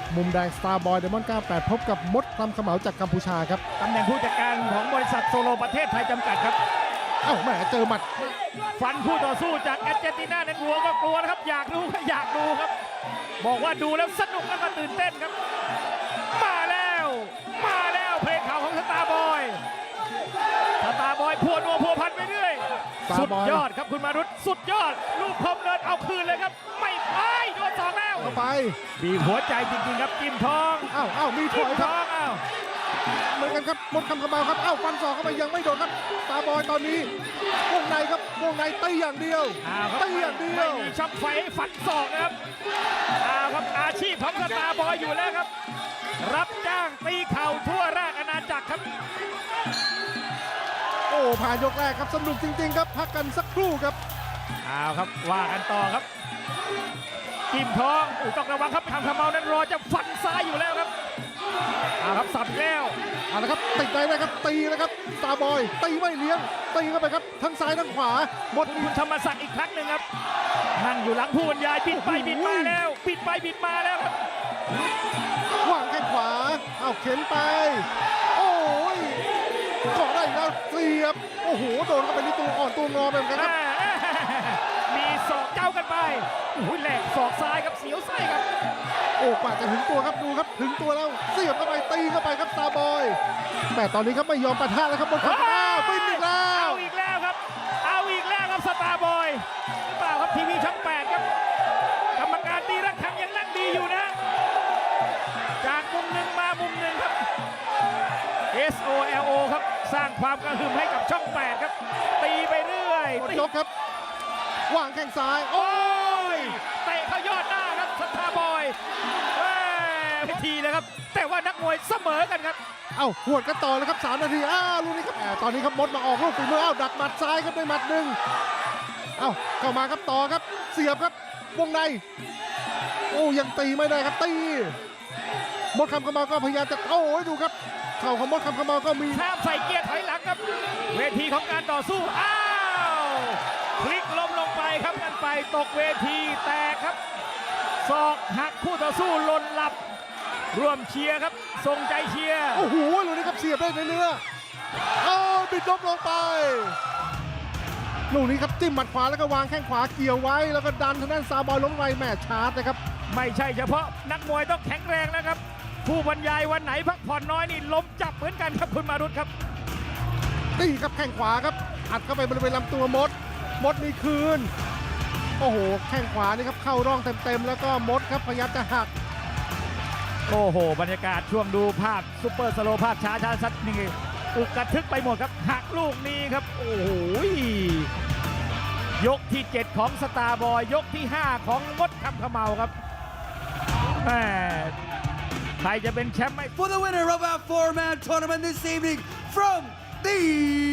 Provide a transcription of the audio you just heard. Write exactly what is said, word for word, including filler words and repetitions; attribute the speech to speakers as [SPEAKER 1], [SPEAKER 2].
[SPEAKER 1] มุมแดงสตาร์บอยเดมอนเก้าสิบแปดพบกับมดคลำขมเหลาจากกัมพูชาครับ
[SPEAKER 2] ตำแหน่งผู้จัดการของบริษัทโซโลประเทศไทยจำกัดครับ
[SPEAKER 1] เอ้าแหมเจอหมัด
[SPEAKER 2] ฟันคู่ต่อสู้จากแอร์เจนตินาในหัวก็กลัวนะครับอยากดูก็อยากดูครับ บอกว่าดูแล้วสนุกแล้วก็ตื่นเต้นครับ มาแล้วมาแล้วเพลงข่าวของสตาร์บอยสตาร์บอยพัวนัวพัวพันไปเรื่อยสุดยอดครับคุณมารุตสุดยอดลูกคมเดินเอาคืนเลยครับไม่ไปโดนสองแล้ว
[SPEAKER 1] เข้าไป
[SPEAKER 2] บีบหัวใจจริงๆครับจิ้มทอง
[SPEAKER 1] เอ้าเอ้ามีถ
[SPEAKER 2] จิ้
[SPEAKER 1] อ
[SPEAKER 2] ม
[SPEAKER 1] ย
[SPEAKER 2] ท
[SPEAKER 1] ครับ
[SPEAKER 2] องอ้าว
[SPEAKER 1] เหมือนกันครับมดคำขมเหลาครับเอ้าฟันศอกเข้าไปยังไม่โดนครับสตาร์บอยตอนนี้วงในครับวงในตีอย่างเดียว
[SPEAKER 2] อ้าวครับ
[SPEAKER 1] ตีอย่างเดียว
[SPEAKER 2] ไม่มีช่องไฟให้ฟันศอกนะครับอ้าวครับอาชีพของสตาร์บอยอยู่แล้วครับ รับจ้างตีเข่าทั่วราชอาณาจักรครับ
[SPEAKER 1] โอ้ผ่านยกแรกครับสนุกจริงๆครับพักกันสักครู่ครับ
[SPEAKER 2] เอาครับว่ากันต่อครับจิ้มทองอู้ต้องระวังครับทำขมเมานั้นรอจะฟันซ้ายอยู่แล้วครับเอาครับสับแล้ว
[SPEAKER 1] เอาละครับติดในเลยครับตีแล้วครับสตาร์บอยตีไม่เลี้ยงตีเข้าไปครับทั้งซ้ายทั้งขวาหมด
[SPEAKER 2] คุณธรรมศักดิ์อีกครั้งหนึ่งครับนั่งอยู่หลังผู้บรรยายบิดไปบิดมาแล้วบิดไปบิดมาแล้วครับ
[SPEAKER 1] วางแข้งขวาเอาเข็นไปโอ้ยเกาะได้อีกแล้วเสียบโอ้โหโดนเข้าไปที่ตัวอ่อนตัวงอไปเหมือนกันครับ
[SPEAKER 2] มีศอกเจ้ากันไปอุ้ยแหลกศอกซ้ายครับเสียวไส้ครับ
[SPEAKER 1] โอ้กว่าจะถึงตัวครับดูครับถึงตัวแล้วเสียบเข้าไปตีเข้าไปครับสตาร์บอยแต่ตอนนี้ครับไม่ยอมปะทะแล้วครับบนข้างอ้าวฟินอีกแล้ว
[SPEAKER 2] เอาอีกแล้วครับ เอาอีกแล้วครับสตาร์บอยหรือเปล่าครับทีวีช่องแปดครับกรรมการตีระฆังยังนั่งดีอยู่นะ จากมุมหนึ่งมามุมหนึ่งครับ เอส โอ แอล โอ ครับสร้างความกระหึ่มให้กับช่องแปดครับ ตีไปเรื่อย
[SPEAKER 1] หมดยกครับวางแข้งซ้ายโอ้
[SPEAKER 2] โอ้ยเตะเข้ายอดหน้าครับสตาร์บอยเอ้ยทีนะครับ แต่ว่านักมวยเสมอกันครับ
[SPEAKER 1] เอ้าหวดกันต่อเลยครับสามนาทีอ้าวลูกนี้ครับแหมตอนนี้ครับมดมาออกลูกฝีมือเอ้าดักหมัดซ้ายครับด้วยหมัดหนึ่งเอ้าเข้ามาครับต่อครับเสียบครับวงในโอ้ยังตีไม่ได้ครับตีมดคำขมาก็พยายามจะโอ้ยดูครับเข่าของมดคำขมาก็มี
[SPEAKER 2] ห้ามใส่เกียร์ถอยหลังครับ เวทีของการต่อสู้ อ้าวพลิกล้มลงไปครับกันไปตกเวทีแตกครับศอกหักคู่ต่อสู้หล่นหลับ ร่วมเชียร์ครับทรงใจเชียร์
[SPEAKER 1] โอ้โหลูกนี้ครับเสียบได้ในเนื้อเอาบิดลบลงไปลูกนี้ครับจิ้มหมัดขวาแล้วก็วางแข้งขวาเกี่ยวไว้แล้วก็ดันทางด้านซาบอยล้มไปแม่ชาร์จนะครับ
[SPEAKER 2] ไม่ใช่เฉพาะนักมวยต้องแข็งแรงนะครับ ผู้บรรยายวันไหนพักผ่อนน้อยนี่ล้มจับเหมือนกันครับคุณมารุตครับ
[SPEAKER 1] นี่ครับแข้งขวาครับอัดเข้าไปบริเวณลำตัวมด มดมีคืน โอ้โหแข้งขวานี่ครับเข้าร่องเต็มๆแล้วก็มดครับพยายามจะหัก
[SPEAKER 2] โอ้โหบรรยากาศช่วงดูภาพซุปเปอร์สโลว์ภาพช้าช้าชัดนี่อุกกระทึกไปหมดครับหักลูกนี้ครับโอ้โหยกที่เจ็ดของสตาร์บอยยกที่ห้าของมดคำขมเมาครับแหมใครจะเป็นแชมป์ไม่
[SPEAKER 3] For the winner of our four-man tournament this evening from the